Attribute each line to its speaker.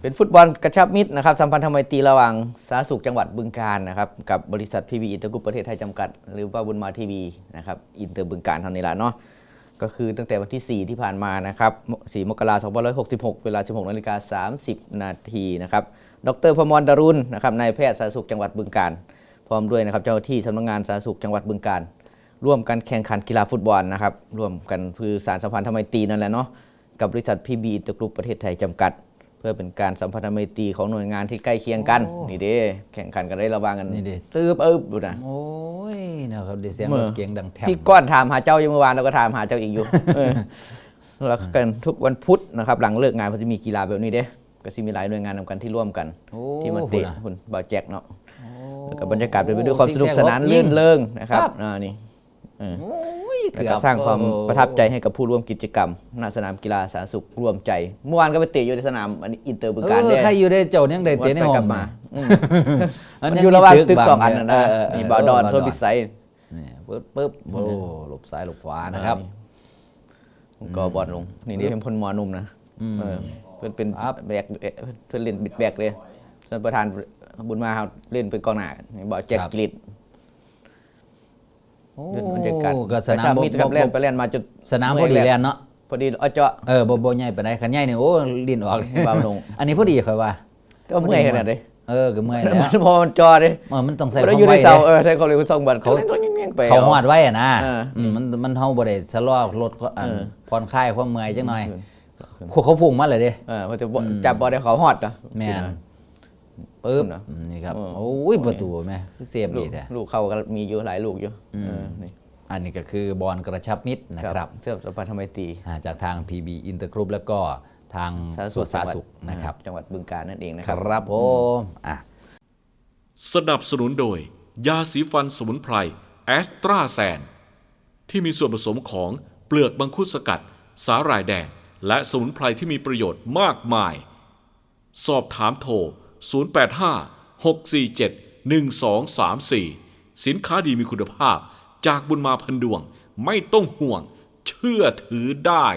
Speaker 1: เป็นฟุตบอลกระชับมิตรนะครับสัมพันธไมตรีระหว่างสาธารณสุขจังหวัดบึงกาฬนะครับกับบริษัท PB อินเตอร์กรุ๊ปประเทศไทยจำกัดหรือว่าบุญมาทีวีนะครับอินเตอร์บึงกาฬเท่านี้แหละเนาะก็คือตั้งแต่วันที่ 4 ที่ผ่านมานะครับ4 มกราคม 2566 เวลา 16:30 นาทีนะครับดร.พมร ดารุณนะครับนายแพทย์สาธารณสุขจังหวัดบึงกาฬพร้อมด้วยนะครับเจ้าหน้าที่สำนักงานสาธารณสุขจังหวัดบึงกาฬร่วมกันแข่งขันกีฬาฟุตบอลนะครับร่วมกันคือสารสัมพันธไมตรีนั่นแหละเนาะกับบริษัท PB อินเตอร์กรุ๊ปประเทศไทยจำกัดเพื่อเป็นการสัมพันธไมตรีของหน่วยงานที่ใกล้เคียงกันนี่เด้แข่งขันกันได้ระวังกัน
Speaker 2: นี่เด้ตืบ
Speaker 1: ดูนะ
Speaker 2: โอ้ยนะครับดิเสียงรถเก๋งดังแถม
Speaker 1: พี่ก้อนถามหาเจ้าอยู่เมื่อวานเราก็ถามหาเจ้าอีกอยู่แล้วกันทุกวันพุธนะครับหลังเลิกงานเขาจะมีกีฬาแบบนี้เด้ก็จะมีหลายหน่วยงานนำกันที่ร่วมกันที่มาเตะคุณบ่าวแจ็คเนาะแล้วก็บรรยากาศเป็นไปด้วยความสนุกสนานลื่นเริงนะครับนี่แล้วก็สร้างความประทับใจให้กับผู้ร่วมกิจกรรมณสนามกีฬาสาธารณสุขร่วมใจเมื่อวานก็ไปเตะอยู่ในสนามอินเตอร์บึงกาฬเนี่ย
Speaker 2: ใครอยู่ได้เจ้ายังได้เตะในห้อง
Speaker 1: มามันอยู่ระหว่างตึก2 อันนะมีบ่าวดอนโซนพิสัย
Speaker 2: นี่ปึ๊บโอ้หลบซ้ายหลบขวานะครับ
Speaker 1: ก็บอลลงนี่เป็นพลมอนุ่มนะเพื่อนเป็นแบกเพื่อนเล่นบิดแบกเลยส่วนประธานบุญมาเล่นเป็นกองหน้าบ่าวแจ็คกลิดบรรยากาศ
Speaker 2: ก็สนาม
Speaker 1: มิตรกับเล่นไปเล่นมาจุด
Speaker 2: สนามพอดีแลนเนาะ
Speaker 1: พอดีเจาะ
Speaker 2: บ่ใหญ่ปานใดคันใหญ่นี่โอ้ลิ้นออก
Speaker 1: เบาลง
Speaker 2: อันนี้พอดีค่อยว่า
Speaker 1: ก็เมื่อยขนาดนี้
Speaker 2: ก็เมื่อยแล้ว
Speaker 1: พอมันจอดิ
Speaker 2: มันต้องใส่
Speaker 1: ความไวใส่ความเร็ว2 บาท
Speaker 2: เขาหอดไว้อ่ะนะมันเฮาบ่ได้สะลอรถผ่อนคลายความเมื่อยจังหน่อยเขาพุ่งมาเลยเด้
Speaker 1: พอจะจับบอลได้เขาหอด
Speaker 2: แม่นปึ๊บนี่ครับโอ้ยประตูแม่เซฟดีแท้
Speaker 1: ลูกเขาก็มีอยู่หลายลูกอยู่
Speaker 2: นี่อันนี้ก็คือบอลกระชับมิตรนะครับ
Speaker 1: เพื่อสัมพันธไมตรี
Speaker 2: จากทาง PB อินเตอร์กรุ๊ปแล้วก็ทางสวนสาธารณสุขนะครับ
Speaker 1: จังหวัดบึงกาฬนั่นเองนะค
Speaker 2: รับผม
Speaker 3: สนับสนุนโดยยาสีฟันสมุนไพรแอสตราแซนที่มีส่วนผสมของเปลือกมังคุดสกัดสาหร่ายแดงและสมุนไพรที่มีประโยชน์มากมายสอบถามโทร0856471234สินค้าดีมีคุณภาพจากบุญมาพันดวงไม่ต้องห่วงเชื่อถือได้